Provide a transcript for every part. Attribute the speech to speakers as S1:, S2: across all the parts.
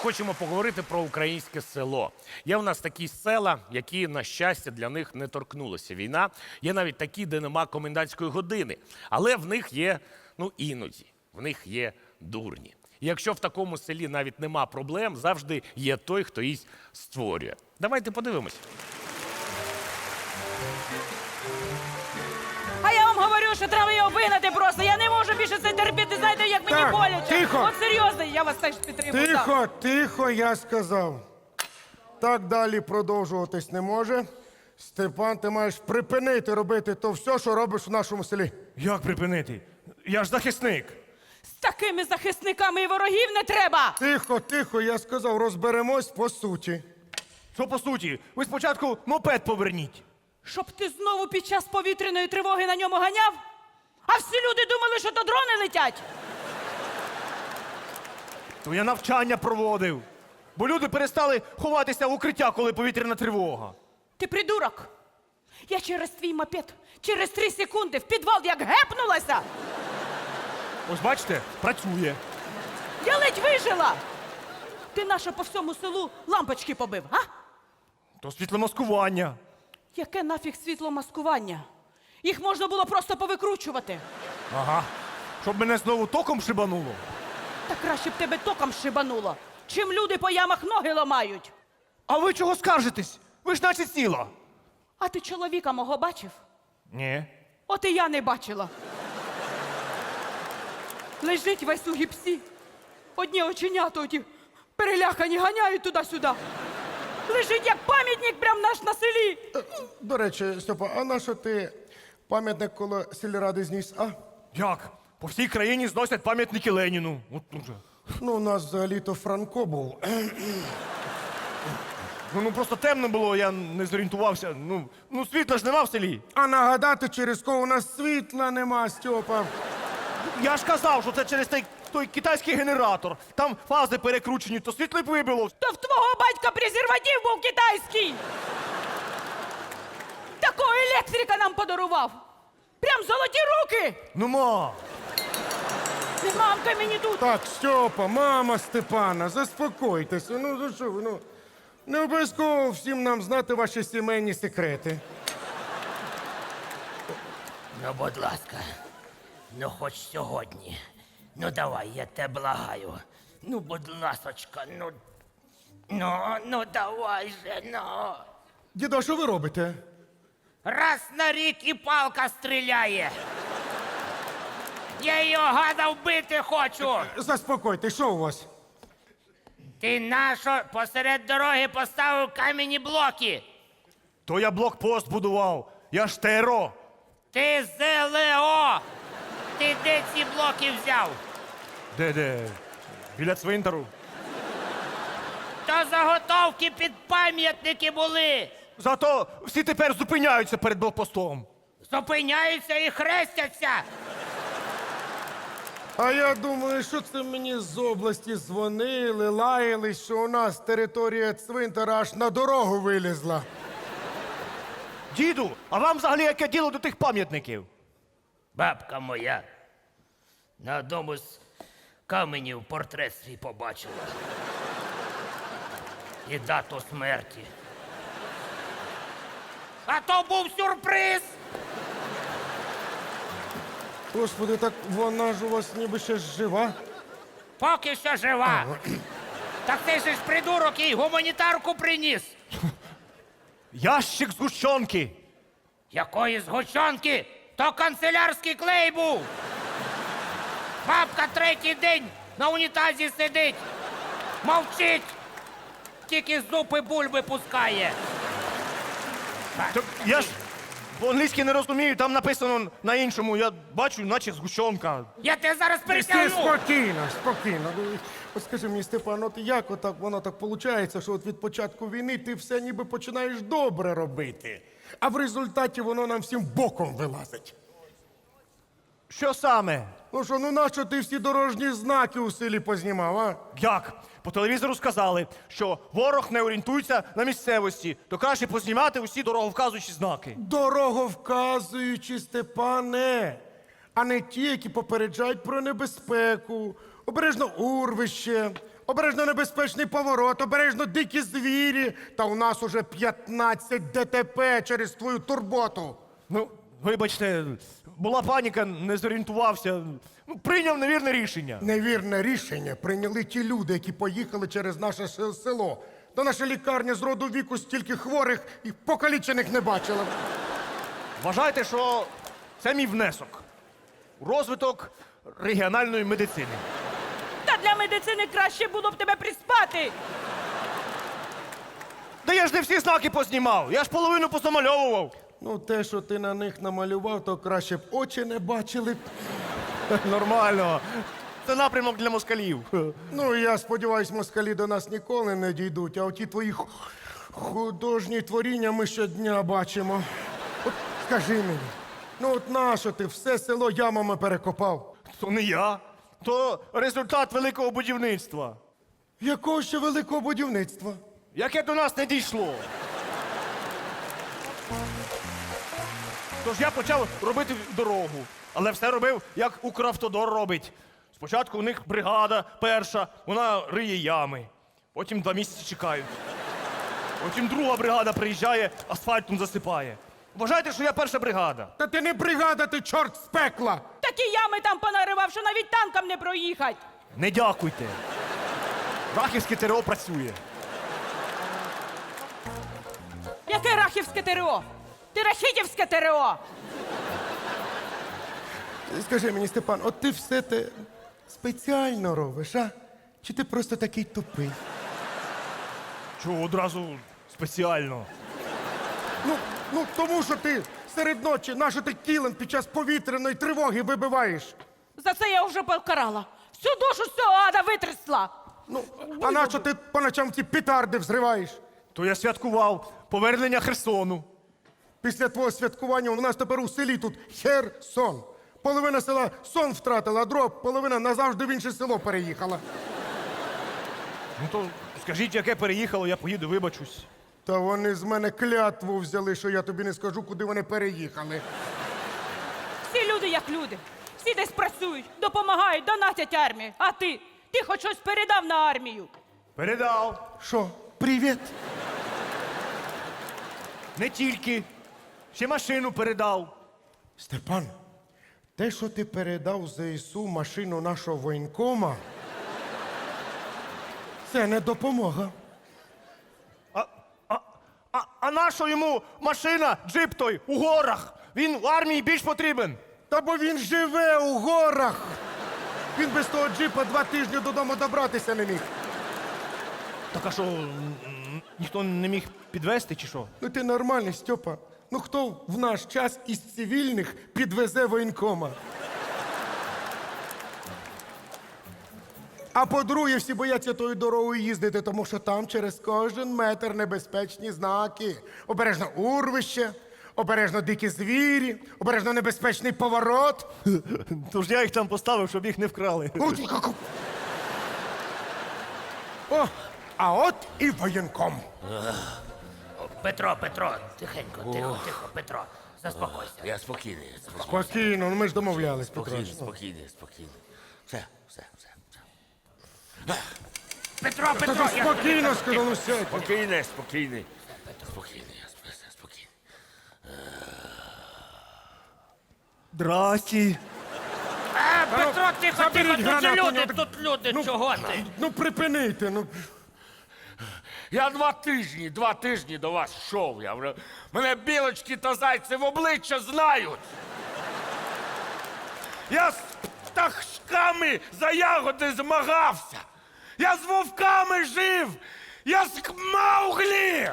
S1: хочемо поговорити про українське село. Є у нас такі села, які, на щастя, для них не торкнулася війна. Є навіть такі, де нема комендантської години. Але в них є, іноді, в них є дурні. І якщо в такому селі навіть нема проблем, завжди є той, хто їх створює. Давайте подивимось.
S2: А я вам говорю, що треба його вигнати просто. Я не можу більше це терпіти. Знаєте, як мені
S3: Так,
S2: боляче.
S3: тихо.
S2: От серйозно, я вас теж підтримую. так.
S3: Тихо, тихо, я сказав. Так далі продовжуватись не може. Степан, ти маєш припинити робити то все, що робиш в нашому селі.
S4: Як припинити? Я ж захисник.
S2: З такими захисниками і ворогів не треба.
S3: Тихо, тихо, я сказав, розберемось по суті.
S4: Що по суті? Ви спочатку мопед поверніть.
S2: Щоб ти знову під час повітряної тривоги на ньому ганяв? А всі люди думали, що то дрони летять.
S4: То я навчання проводив. Бо люди перестали ховатися в укриття, коли повітряна тривога.
S2: Ти придурок. Я через твій мопед, через 3 секунди в підвал як гепнулася.
S4: Ось бачите, працює.
S2: Я ледь вижила. Ти наше по всьому селу лампочки побив, а?
S4: То світломаскування.
S2: Яке нафіг світломаскування? Їх можна було просто повикручувати.
S4: Ага. Щоб мене знову током шибануло.
S2: Та краще б тебе током шибануло, чим люди по ямах ноги ламають.
S4: А ви чого скаржитесь? Ви ж наче ціла.
S2: А ти чоловіка мого бачив?
S4: Ні.
S2: От і я не бачила. Лежить весь у гіпсі. Одні оченята оті перелякані ганяють туди-сюди. Лежить як пам'ятник прям наш на селі.
S3: До речі, Степа, а на що ти пам'ятник коло сільради зніс, а?
S4: Як? По всій країні зносять пам'ятники Леніну. От уже.
S3: Ну, у нас взагалі-то Франко був.
S4: Ну просто темно було, я не зорієнтувався. Ну світла ж нема в селі.
S3: А нагадати, через кого у нас світла нема, Степа.
S4: Я ж казав, що це через той китайський генератор. Там фази перекручені, то світло й вибило.
S2: То в твого батька презерватив був китайський. Такого електрика нам подарував. Прям золоті руки.
S4: Ну, ма!
S2: Не мамка мені тут.
S3: Так, Степа, мама Степана, заспокойтеся. Ну що ви, не обов'язково всім нам знати ваші сімейні секрети.
S5: Ну, будь ласка, ну хоч сьогодні. Ну давай, я тебе благаю. Ну, будь ласочка, ну давай же, ну.
S3: Дідо, що ви робите?
S5: Раз на рік і палка стріляє. Я його гада вбити хочу.
S3: Заспокойтесь, що у вас?
S5: Ти нащо посеред дороги поставив кам'яні блоки?
S4: То я блокпост будував. Я ж ТРО.
S5: Ти ЗЛО. Ти де ці блоки взяв?
S4: Де? Біля цвинтару.
S5: То заготовки під пам'ятники були.
S4: Зато всі тепер зупиняються перед блокпостом.
S5: Зупиняються і хрестяться.
S3: А я думаю, що це мені з області дзвонили, лаялись, що у нас територія цвинтара аж на дорогу вилізла.
S4: Діду, а вам взагалі яке діло до тих пам'ятників?
S5: Бабка моя на одному з каменів портрет свій побачила. І дату смерті. А то був сюрприз!
S3: Господи, так вона ж у вас ніби ще жива.
S5: Поки що жива. Так ти ж придурок їй гуманітарку приніс.
S4: Ящик згущенки.
S5: Якої згущенки? То канцелярський клей був. Бабка 3-й день на унітазі сидить. Мовчить. Тільки зупи бульби пускає.
S4: Так я ж по-англійськи не розумію, там написано на іншому. Я бачу, наче згущенка.
S5: Я тебе зараз
S3: Ти
S5: перетягну.
S3: спокійно, спокійно. От скажи мені, Степан, от як отак воно так виходить, що от від початку війни ти все ніби починаєш добре робити, а в результаті воно нам всім боком вилазить.
S4: Що саме?
S3: Ну що, нащо ти всі дорожні знаки у селі познімав, а?
S4: Як? По телевізору сказали, що ворог не орієнтується на місцевості, то краще познімати усі дороговказуючі знаки.
S3: Дороговказуючі, Степане, а не ті, які попереджають про небезпеку, обережно урвище, обережно небезпечний поворот, обережно дикі звірі. Та у нас уже 15 ДТП через твою турботу.
S4: Ну, вибачте, була паніка, не зорієнтувався. Ну, прийняв невірне рішення.
S3: Невірне рішення прийняли ті люди, які поїхали через наше село. Та наша лікарня з роду віку стільки хворих і покалічених не бачила.
S4: Вважайте, що це мій внесок у розвиток регіональної медицини.
S2: Та для медицини краще було б тебе приспати.
S4: Та я ж не всі знаки познімав, я ж половину позамальовував.
S3: Ну, те, що ти на них намалював, то краще б очі не бачили б.
S4: Нормально. Це напрямок для москалів.
S3: Ну, я сподіваюсь, москалі до нас ніколи не дійдуть, а оті твої художні творіння ми щодня бачимо. От скажи мені, ну от нащо ти все село ямами перекопав?
S4: То не я, то результат великого будівництва,
S3: Якого ще великого будівництва?
S4: яке до нас не дійшло. Тож я почав робити дорогу, але все робив, як Укравтодор робить. Спочатку у них бригада перша, вона риє ями. Потім 2 місяці чекають. Потім друга бригада приїжджає, асфальтом засипає. Вважайте, що я перша бригада.
S3: Та ти не бригада, ти чорт з пекла!
S2: Такі ями там понаривав, що навіть танкам не проїхать.
S4: Не дякуйте. Рахівське ТРО працює.
S2: Яке рахівське ТРО? Ти рахітівське ТРО.
S3: Скажи мені, Степан, от ти все те спеціально робиш, а? Чи ти просто такий тупий?
S4: Чого одразу спеціально?
S3: Ну, тому що ти серед ночі наше ти кілем під час повітряної тривоги вибиваєш.
S2: За це я вже покарала. Всю душу з цього ада витрясла.
S3: Ну, а нащо ти по ночам ті петарди взриваєш?
S4: То я святкував повернення Херсону.
S3: Після твого святкування у нас тепер у селі тут Херсон. Половина села сон втратила, а друга половина назавжди в інше село переїхала.
S4: Ну то скажіть, яке переїхало, я поїду, вибачусь.
S3: Та вони з мене клятву взяли, що я тобі не скажу, куди вони переїхали.
S2: Всі люди як люди. Всі десь працюють, допомагають, донатять армії. А ти? Ти хоч щось передав на армію?
S4: Передав.
S3: Що, привіт?
S4: Не тільки. Ще машину передав.
S3: Степан, те, що ти передав ЗСУ машину нашого воєнкома, це не допомога.
S4: А нащо йому машина, джип той, у горах? Він в армії більш потрібен.
S3: Та бо він живе у горах. Він без того джипа 2 тижні додому добратися не міг.
S4: Так а що, ніхто не міг підвезти чи що?
S3: Ну ти нормальний, Стьопа. Ну хто в наш час із цивільних підвезе воєнкома? А по-друге, всі бояться тою дорогою їздити, тому що там через кожен метр небезпечні знаки. Обережно урвище, обережно дикі звірі, обережно небезпечний поворот.
S4: Тож я їх там поставив, щоб їх не вкрали.
S3: О, а от і воєнком.
S5: Петро, тихенько, тихо, Петро, заспокойся.
S6: Я спокійний, спокійний,
S3: Спокійно, ну ми ж домовлялись, Петро.
S6: спокійний, спокійний. Все.
S5: Петро,
S3: Та ти спокійно, сказав, ну сядь.
S6: Спокійний. Спокійний, спокійний.
S4: Здрасті.
S5: Петро, тихо,
S3: заберіть
S5: тут
S3: гранату,
S5: люди,
S3: ну,
S5: тут люди, чого ти?
S3: Ну припинити, ну.
S1: Я 2 тижні до вас йшов. Мене білочки та зайці в обличчя знають. Я з пташками за ягоди змагався. Я з вовками жив. Я з Мауглі.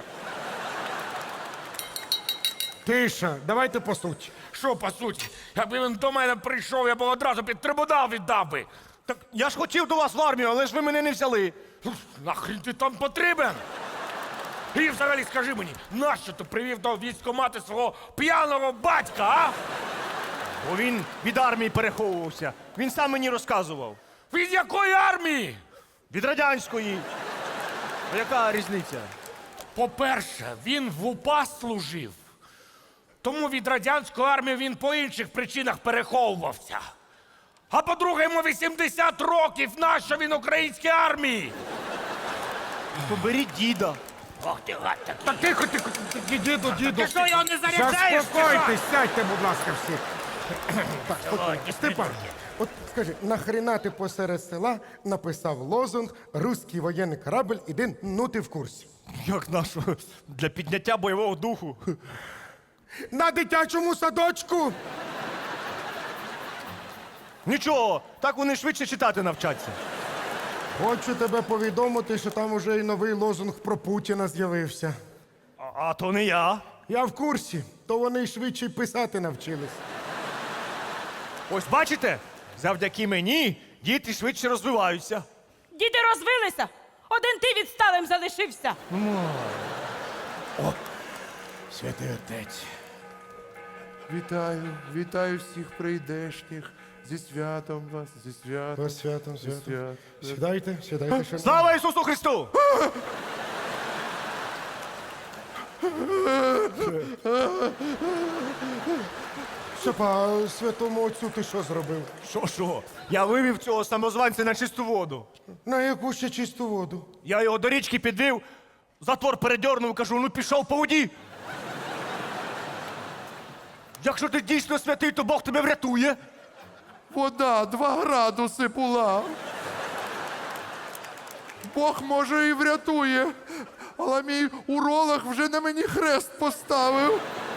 S3: Тиша, давайте по суті.
S1: Що по суті? Якби він до мене прийшов, я б одразу під трибунал віддав би.
S4: Так я ж хотів до вас в армію, але ж ви мене не взяли.
S1: Нахрен ти там потрібен? І взагалі скажи мені, нащо ти привів до військкомати свого п'яного батька, а?
S4: Бо він від армії переховувався. Він сам мені розказував.
S1: Від якої армії?
S4: Від радянської. А яка різниця?
S1: По-перше, він в УПА служив. Тому від радянської армії він по інших причинах переховувався. А по-друге, йому 80 років. Нащо він українській армії?
S4: Поберіть діда.
S5: Ох ти гад такий.
S3: Та тихо, діду.
S1: Ти що, його не заряджаєш?
S3: Заспокойтесь, сядьте, будь ласка, всі. Так, спокійно. Степан, от скажи, нахрена ти посеред села написав лозунг «Руський воєнний корабль, іди, ну ти в курсі».
S4: Як нашу? Для підняття бойового духу.
S3: На дитячому садочку!
S4: Нічого, так вони швидше читати навчаться.
S3: Хочу тебе повідомити, що там уже і новий лозунг про Путіна з'явився.
S4: А то не я.
S3: Я в курсі, то вони й швидше й писати навчились.
S4: Ось бачите, завдяки мені діти швидше розвиваються.
S2: Діти розвилися, один ти відсталим залишився.
S3: Святий отець.
S7: Вітаю всіх прийдешніх. Зі святом вас, зі святом.
S3: Вас святом,
S7: зі
S3: святом.
S7: святом.
S3: Сідайте, шановні.
S4: Слава Ісусу Христу!
S3: Степа, а святому отцю ти що зробив?
S4: Що? Я вивів цього самозванця на чисту воду.
S3: На яку ще чисту воду?
S4: Я його до річки підвів, затвор передьорнув, кажу, ну пішов по воді. Якщо ти дійсно святий, то Бог тебе врятує.
S7: Вода 2 градуси була. Бог може і врятує, але мій уролог вже на мені хрест поставив.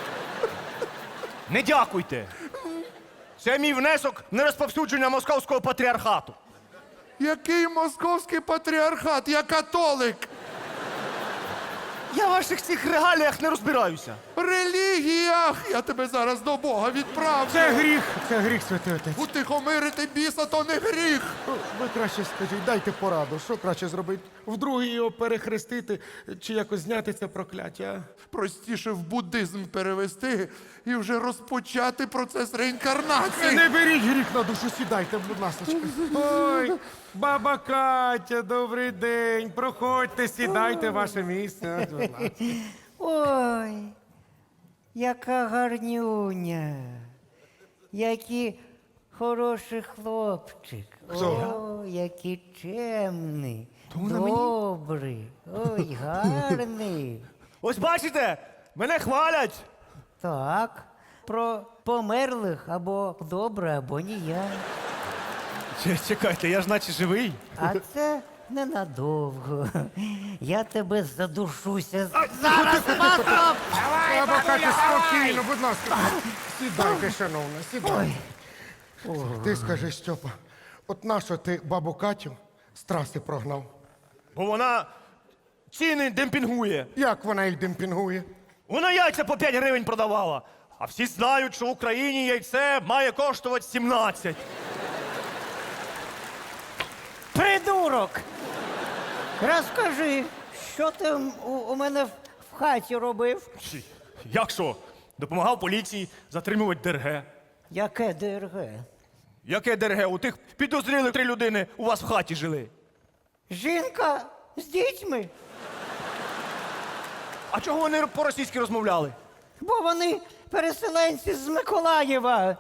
S4: Не дякуйте. Це мій внесок на розповсюдження московського патріархату.
S7: Який московський патріархат? Я католик.
S4: Я в ваших цих регаліях не розбираюся.
S7: Релігіях! Я тебе зараз до Бога відправлю.
S3: Це гріх, святий отець.
S7: Утихомирити біса то не гріх.
S3: Ви краще скажіть, дайте пораду, що краще зробити? Вдруге його перехрестити чи якось зняти це прокляття?
S7: Простіше в буддизм перевести і вже розпочати процес реінкарнації.
S3: Не беріть гріх на душу, сідайте, будь ласка. Ой, баба Катя, добрий день. Проходьте, сідайте ваше місце. Будь ласка.
S8: Ой, яка гарнюня, який хороший хлопчик. О, який чемний, добрий, ой, гарний.
S4: Ось бачите, мене хвалять.
S8: Так, про померлих або добре, або ніяк.
S4: Чекайте, я ж наче живий.
S8: А це ненадовго. Я тебе задушуся.
S3: Баба Катя, спокійно, будь ласка. Сідайте, шановна, сідайте. Ти скажи, Стьопа, от нащо ти бабу Катю з траси прогнав?
S4: Бо вона ціни демпінгує.
S3: Як вона їх демпінгує?
S4: Вона яйця по 5 гривень продавала. А всі знають, що в Україні яйце має коштувати 17.
S8: Придурок! Розкажи, що ти у мене в хаті робив?
S4: Як що? Допомагав поліції затримувати ДРГ.
S8: Яке ДРГ?
S4: Яке ДРГ? У тих підозрілих 3 людини у вас в хаті жили.
S8: Жінка з дітьми,
S4: А чого вони по-російськи розмовляли?
S8: бо вони переселенці з Миколаєва.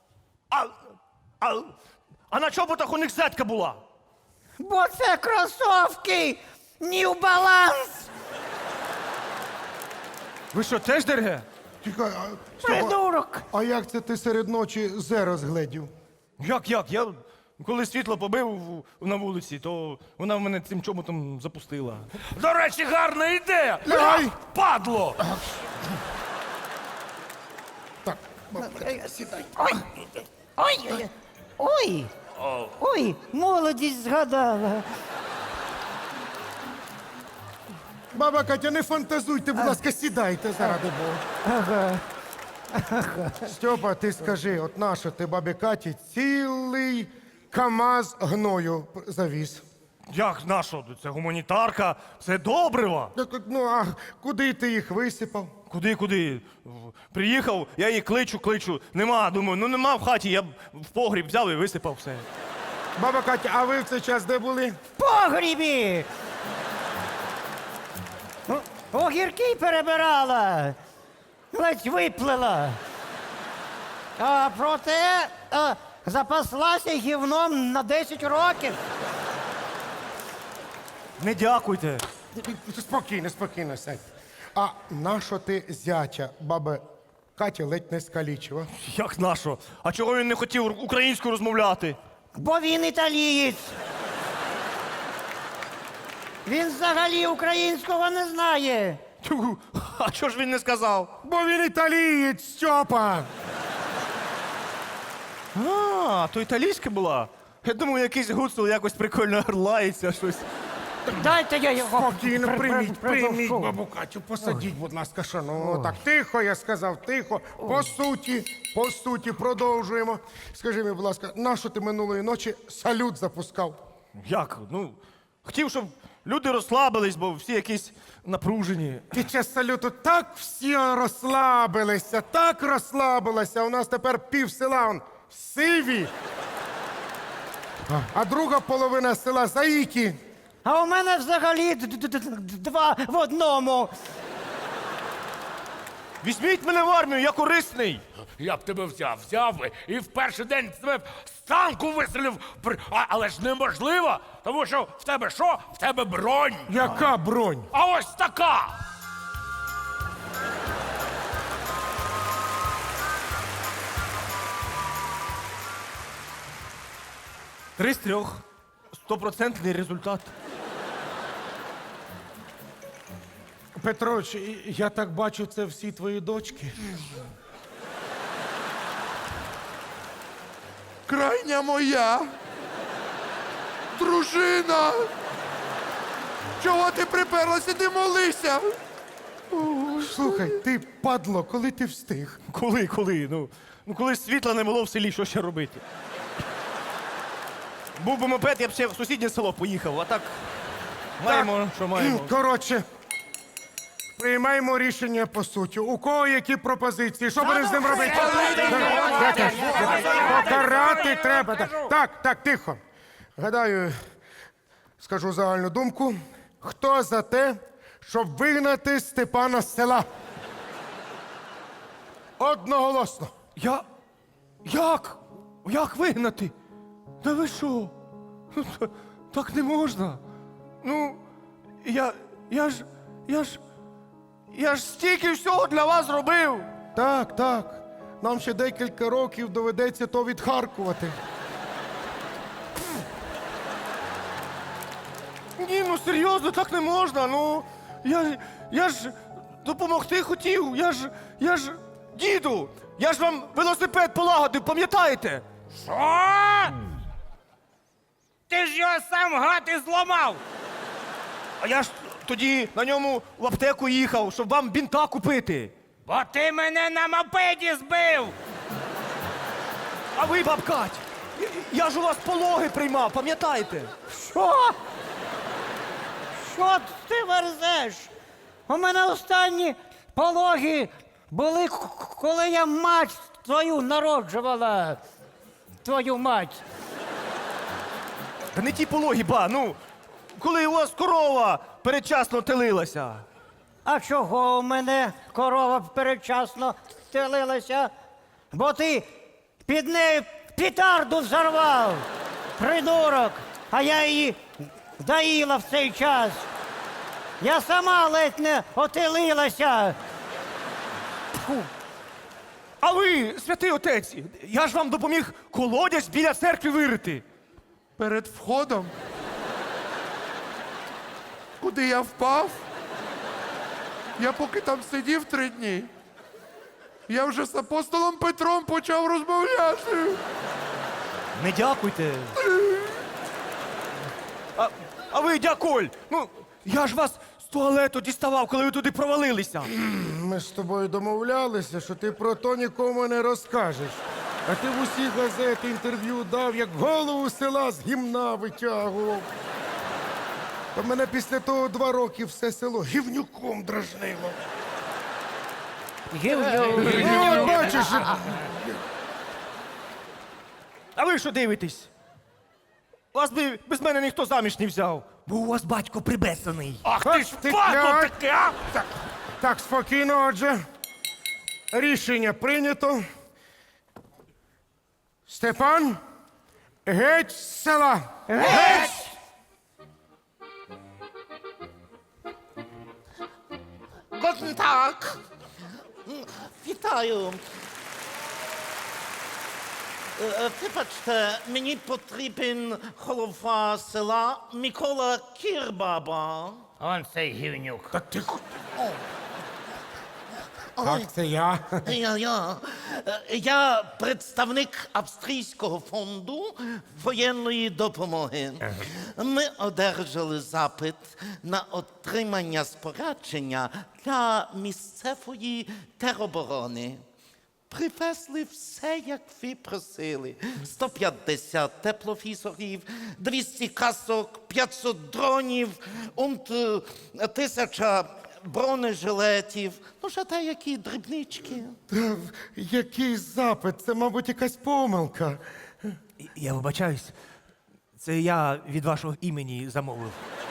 S4: А на чоботах у них зетка була?
S8: Бо це кросовки New Balance.
S4: Ви що, теж ДРГ?
S3: Чекай, Стьопа,
S8: Придурок!
S3: а як це ти серед ночі зе розгледів?
S4: Як? Я коли світло побив на вулиці, то вона в мене цим чоботом запустила.
S1: До речі, гарна ідея!
S3: Лягай!
S1: Падло!
S3: Так, баба Катя, сідай.
S8: Ой! Ой! Ой! Ой! Молодість згадала.
S3: Баба Катя, не фантазуйте, будь ласка, сідайте, заради Бога. Стьопа, ти скажи, от нащо ти бабі Каті цілий КАМАЗ гною завіз?
S4: Як нащо? Це гуманітарка, це добрива.
S3: Ну, а куди ти їх висипав?
S4: Куди? Приїхав, я її кличу. Нема, думаю, ну нема в хаті, я в погріб взяв і висипав все.
S3: Баба Катя, а ви в цей час де були?
S8: В погрібі! Огірки перебирала, ледь виплила. А проте запаслася гівном на 10 років.
S4: Не дякуйте.
S3: Спокійно, спокійно, сядь. А нащо ти зятя, баби Катя ледь не скалічила?
S4: Як нашо? А чого він не хотів українською розмовляти?
S8: Бо він італієць. Він взагалі українського не знає.
S4: Тю, а чого ж він не сказав?
S3: Бо він італієць, Стьопа!
S4: А, то італійська була? Я думаю, якийсь гуцул якось прикольно орлається щось.
S8: Дайте я його
S3: Спокійно, прийміть
S8: придушу.
S3: бабу Катю, посадіть, будь ласка, шановно. Так, тихо, я сказав, тихо. По суті, продовжуємо. Скажи мені, будь ласка, нащо ти минулої ночі салют запускав?
S4: Як? Ну, хотів, щоб люди розслабились, бо всі якісь напружені.
S3: Під час салюту так всі розслабилися, так розслабилися. У нас тепер пів села он сиві. А друга половина села заїки.
S8: А у мене взагалі два в одному.
S4: Візьміть мене в армію, я корисний.
S1: Я б тебе взяв би і в перший день тебе з танку вистрілив. Але ж неможливо, тому що в тебе що? В тебе бронь.
S3: Яка бронь?
S1: А ось така.
S4: Три з трьох. 100% результат.
S3: Петрович, я так бачу, це всі твої дочки.
S7: Крайня моя. Дружина. Чого ти приперлася, ти молися?
S3: Слухай, ти падло, коли ти встиг?
S4: Коли? Ну, коли світла не було в селі, що ще робити? Був би мопед, я б ще в сусіднє село поїхав, а так маємо, що маємо.
S3: Коротше, приймаємо рішення по суті. У кого які пропозиції? Що будемо з ним робити? Покарати треба. Так, тихо. Гадаю, скажу загальну думку. Хто за те, щоб вигнати Степана з села? Одноголосно.
S4: Як? Як вигнати? Та ви що? Так не можна. Ну, я ж стільки всього для вас зробив.
S3: Так. Нам ще декілька років доведеться то відхаркувати.
S4: Ні, ну серйозно, так не можна. Ну, я ж допомогти хотів. Я ж діду, я ж вам велосипед полагодив, пам'ятаєте?
S5: Що? Ти ж його сам гад і зламав.
S4: А я ж тоді на ньому в аптеку їхав, щоб вам бінта купити.
S5: Бо ти мене на мопеді збив.
S4: А ви, бабкать, я ж у вас пологи приймав, пам'ятаєте?
S8: Що? Що ти верзеш? У мене останні пологи були, коли я мать твою народжувала. Твою мать.
S4: Та не ті пологи, ба, ну, коли у вас корова передчасно телилася.
S8: А чого у мене корова передчасно стелилася? Бо ти під нею пітарду взорвав, придурок, а я її доїла в цей час. Я сама ледь не отелилася. Фу.
S4: А ви, святий отець, я ж вам допоміг колодязь біля церкви вирити.
S7: Перед входом. Куди я впав? Я поки там сидів 3 дні. Я вже з апостолом Петром почав розмовляти.
S4: Не дякуйте. А ви, дякуль, ну, я ж вас з туалету діставав, коли ви туди провалилися.
S3: Ми ж з тобою домовлялися, що ти про то нікому не розкажеш. А ти в усі газети інтерв'ю дав, як голову села з гімна витягував. Та мене після того 2 роки все село гівнюком дражнило. Ну, от бачиш,
S4: А ви що дивитесь? Вас би без мене ніхто заміж не взяв, бо у вас батько прибесаний.
S1: Ах ти ж
S3: ти
S1: падло
S3: глянь.
S1: таке, а!
S3: так, спокійно, отже. Рішення прийнято. Степан, геть з села!
S5: Guten Tag. Вітаю. Вибачте, мені потрібен голова села Микола Кірбаба.
S8: Он цей гівнюк.
S3: Та тихо. Так, це я.
S5: Я представник Австрійського фонду воєнної допомоги. Ми одержали запит на отримання спорядження для місцевої тероборони. Привезли все, як ви просили. 150 тепловізорів, 200 касок, 500 дронів, 1000 бронежилетів. Ну, ще деякі дрібнички.
S3: Та який запит? Це, мабуть, якась помилка.
S4: Я вибачаюсь. Це я від вашого імені замовив.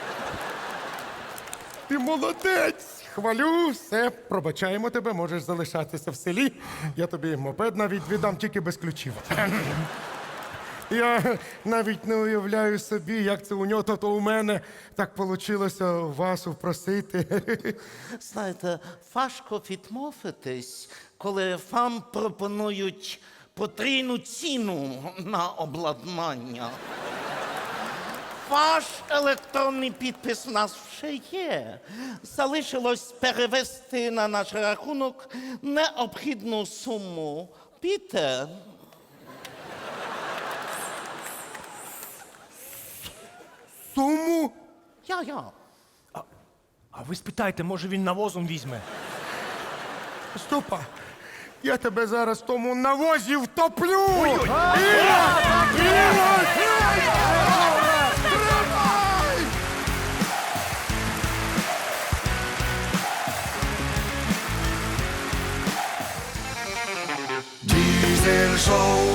S3: Ти молодець! Хвалю, все, пробачаємо тебе, можеш залишатися в селі. Я тобі мопед навіть віддам, тільки без ключів. Я навіть не уявляю собі, як це у нього, то у мене так вийшло вас упросити.
S5: Знаєте, важко відмовитись, коли вам пропонують потрійну ціну на обладнання. Ваш електронний підпис у нас вже є. Залишилось перевести на наш рахунок необхідну суму. Піте.
S3: Суму?
S5: Я.
S4: А ви спитайте, може він навозом візьме.
S3: Стопа, я тебе зараз в тому навозі втоплю!
S9: Diesel Show.